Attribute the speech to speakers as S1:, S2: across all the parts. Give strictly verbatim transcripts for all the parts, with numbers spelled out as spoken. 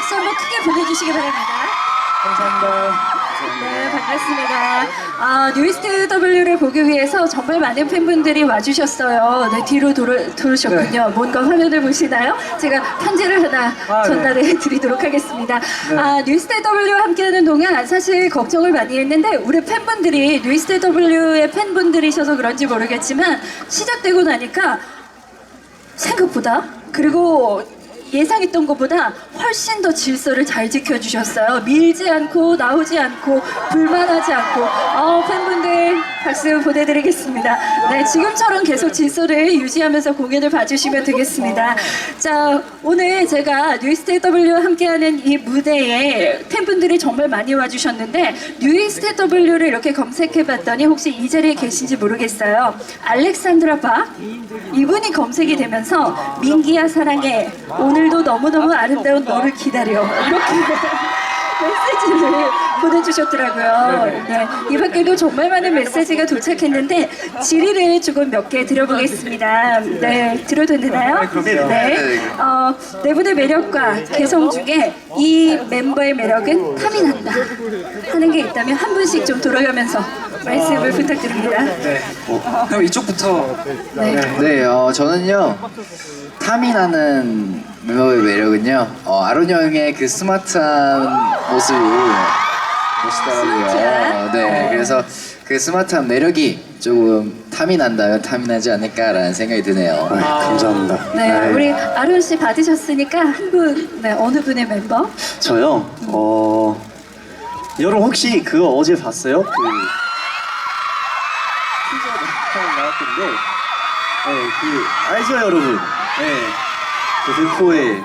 S1: 박수 한번 크게 보내주시기 바랍니다.
S2: 감사합니다.
S1: 네, 반갑습니다. 아, 뉴이스트 더블유를 보기 위해서 정말 많은 팬분들이 와주셨어요. 네, 뒤로 돌아, 돌으셨군요.
S2: 네.
S1: 뭔가 화면을 보시나요? 제가 편지를 하나
S2: 아,
S1: 전달해
S2: 네.
S1: 드리도록 하겠습니다.
S2: 네.
S1: 아, 뉴이스트 더블유와 함께하는 동안 사실 걱정을 많이 했는데 우리 팬분들이 뉴이스트 더블유의 팬분들이셔서 그런지 모르겠지만 시작되고 나니까 생각보다 그리고 예상했던 것보다 훨씬 더 질서를 잘 지켜주셨어요. 밀지 않고 나오지 않고 불만하지 않고 어, 팬분들 박수 보내드리겠습니다. 네, 지금처럼 계속 질서를 유지하면서 공연을 봐주시면 되겠습니다. 자, 오늘 제가 뉴이스트 더블유와 함께하는 이 무대에 팬분들이 정말 많이 와주셨는데 뉴이스트 더블유를 이렇게 검색해봤더니 혹시 이 자리에 계신지 모르겠어요. 알렉산드라 박 이분이 검색이 되면서 민기야 사랑해 오늘도 너무너무 아름다운 너를 기다려 이렇게 메시지를 보내주셨더라고요. 네, 이 밖에도 정말 많은 메시지가 도착했는데 질의를 조금 몇 개 드려보겠습니다. 네, 들어도 되나요? 네. 어, 네 분의 매력과 개성 중에 이 멤버의 매력은 탐이 난다 하는 게 있다면 한 분씩 좀 돌아가면서 말씀을 부탁드립니다.
S2: 네. 어, 그럼 이쪽부터.
S1: 네.
S3: 네, 어, 저는요 탐이 나는 멤버의 매력은요 어, 아론 형의 그 스마트한 모습이 멋있더라고요.
S1: 스마트한?
S3: 네, 그래서 그 스마트한 매력이 조금 탐이 난다면 탐이 나지 않을까라는 생각이 드네요.
S4: 네, 감사합니다.
S1: 네,
S4: 네.
S1: 우리 아론 씨 받으셨으니까 한 분, 네, 어느 분의 멤버?
S4: 저요. 어 여러분 혹시 그거 어제 봤어요? 그 티저 나왔던데, 네, 그 알죠 여러분? 네, 그 대포의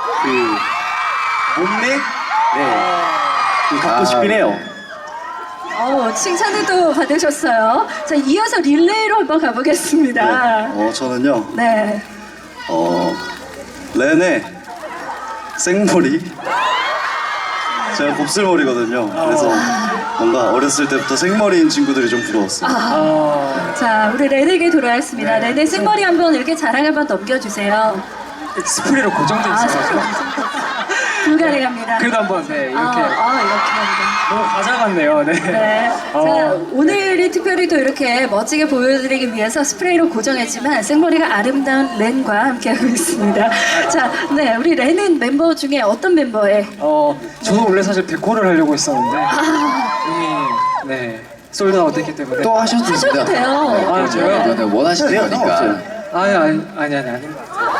S4: 그 몸매, 네, 그 갖고
S3: 아,
S4: 싶긴 해요.
S1: 어, 칭찬을 또 받으셨어요. 자, 이어서 릴레이로 한번 가보겠습니다.
S4: 어 저는요.
S1: 네.
S4: 어 렌의 생머리. 제가 곱슬머리거든요. 그래서 뭔가 어렸을 때부터 생머리인 친구들이 좀 부러웠어요.
S2: 어,
S1: 자, 우리 레네에게 돌아왔습니다. 레네 생머리 한번 이렇게 자랑 한번 넘겨주세요.
S2: 스프레이로 고정돼
S1: 아,
S2: 있어가지고.
S1: 불가능합니다.
S2: 그래도 한번 네, 이렇게.
S1: 아, 아, 이렇게 합니다.
S2: 너무 과자 같네요. 네.
S1: 네.
S2: 어.
S1: 자, 오늘이 특별히 또 이렇게 멋지게 보여드리기 위해서 스프레이로 고정했지만 생머리가 아름다운 렌과 함께하고 있습니다. 자, 네, 우리 렌은 멤버 중에 어떤 멤버에?
S2: 어, 저도 원래 사실 데코를 하려고 했었는데 이미 네 솔드아웃 됐기 때문에.
S3: 또 하셔도 됩니다.
S1: 하셔도 돼요.
S2: 아, 저요?
S3: 이거는 원하시는
S4: 네,
S3: 거니까.
S4: 없어요.
S2: 아니 아니 아니 아니 아니.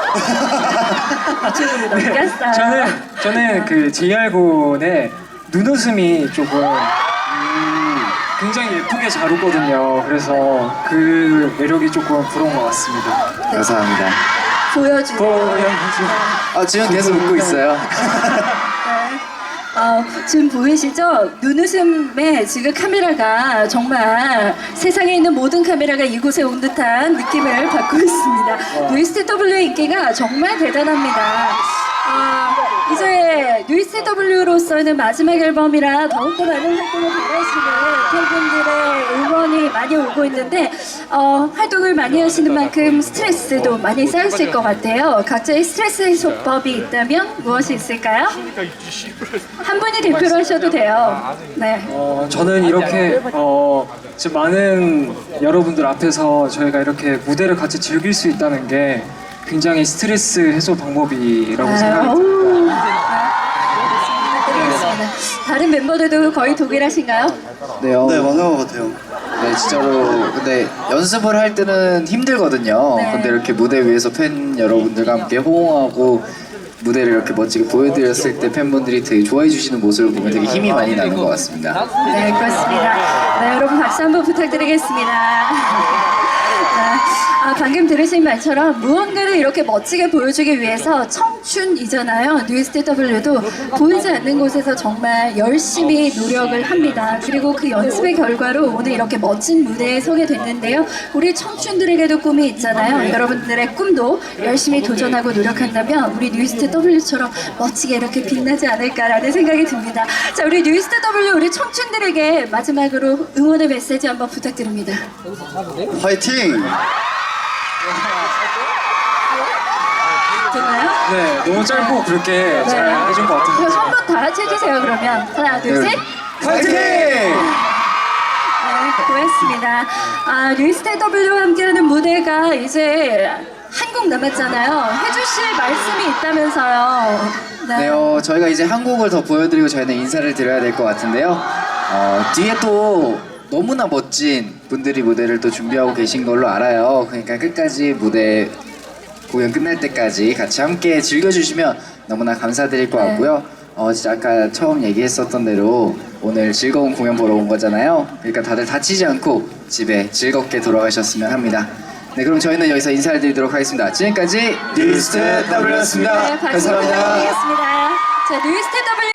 S1: 이쪽으로 넘겼어요.
S2: 저는 저는 그 제이알 군의 눈웃음이 조금 음, 굉장히 예쁘게 잘 웃거든요. 그래서 그 매력이 조금 부러운 것 같습니다.
S3: 감사합니다.
S1: 보여주세요.
S2: 보여주세요.
S3: 아, 지금 계속 웃고 있어요.
S1: 네. 어, 지금 보이시죠? 눈웃음에 지금 카메라가 정말 세상에 있는 모든 카메라가 이곳에 온 듯한 느낌을 받고 있습니다. 뉴이스트 더블유의 인기가 정말 대단합니다. 아, 이제 뉴이스트 더블유로서는 마지막 앨범이라 더욱더 많은 활동을 바라시는 팬분들의 응원이 많이 오고 있는데 어, 활동을 많이 하시는 만큼 스트레스도 많이 쌓이실 것 같아요. 각자의 스트레스 해소법이 있다면 무엇이 있을까요? 한 분이 대표로 하셔도 돼요. 네.
S2: 어, 저는 이렇게 어, 지금 많은 여러분들 앞에서 저희가 이렇게 무대를 같이 즐길 수 있다는 게 굉장히 스트레스 해소 방법이라고 생각합니다.
S1: 아우. 드리겠습니다. 다른 멤버들도 거의 동일하신가요?
S3: 네, 어,
S4: 네, 맞는 것 같아요.
S3: 네, 진짜로 근데 연습을 할 때는 힘들거든요.
S1: 네.
S3: 근데 이렇게 무대 위에서 팬 여러분들과 함께 호응하고 무대를 이렇게 멋지게 보여드렸을 때 팬분들이 되게 좋아해 주시는 모습을 보면 되게 힘이 많이 나는 것 같습니다.
S1: 네, 그렇습니다. 네, 여러분 박수 한번 부탁드리겠습니다. 아, 방금 들으신 말처럼 무언가를 이렇게 멋지게 보여주기 위해서 청춘이잖아요. 뉴이스트 더블유도 보이지 않는 곳에서 정말 열심히 노력을 합니다. 그리고 그 연습의 결과로 오늘 이렇게 멋진 무대에 서게 됐는데요. 우리 청춘들에게도 꿈이 있잖아요. 여러분들의 꿈도 열심히 도전하고 노력한다면 우리 뉴이스트 더블유처럼 멋지게 이렇게 빛나지 않을까라는 생각이 듭니다. 자, 우리 뉴이스트 더블유 우리 청춘들에게 마지막으로 응원의 메시지 한번 부탁드립니다.
S4: 화이팅!
S1: 되나요?
S2: 네, 너무 짧고 그렇게 잘 해준 것 같은데.
S1: 한번 다 같이 해주세요, 그러면. 하나, 둘, 셋.
S3: 파이팅!
S1: 네, 고맙습니다. 아, 뉴이스트더블유와 함께하는 무대가 이제 한 곡 남았잖아요. 해주실 말씀이 있다면서요.
S3: 네, 어, 저희가 이제 한 곡을 더 보여드리고 저희는 인사를 드려야 될 것 같은데요. 어, 뒤에 또 너무나 멋진 분들이 무대를 또 준비하고 계신 걸로 알아요. 그러니까 끝까지 무대 공연 끝날 때까지 같이 함께 즐겨주시면 너무나 감사드릴 것
S1: 네.
S3: 같고요. 어, 진짜 아까 처음 얘기했었던 대로 오늘 즐거운 공연 보러 온 거잖아요. 그러니까 다들 다치지 않고 집에 즐겁게 돌아가셨으면 합니다. 네, 그럼 저희는 여기서 인사를 드리도록 하겠습니다. 지금까지 뉴이스트 더블유였습니다.
S1: 네, 박수
S3: 감사합니다.
S1: 부탁드리겠습니다. 자, 뉴이스트 더블유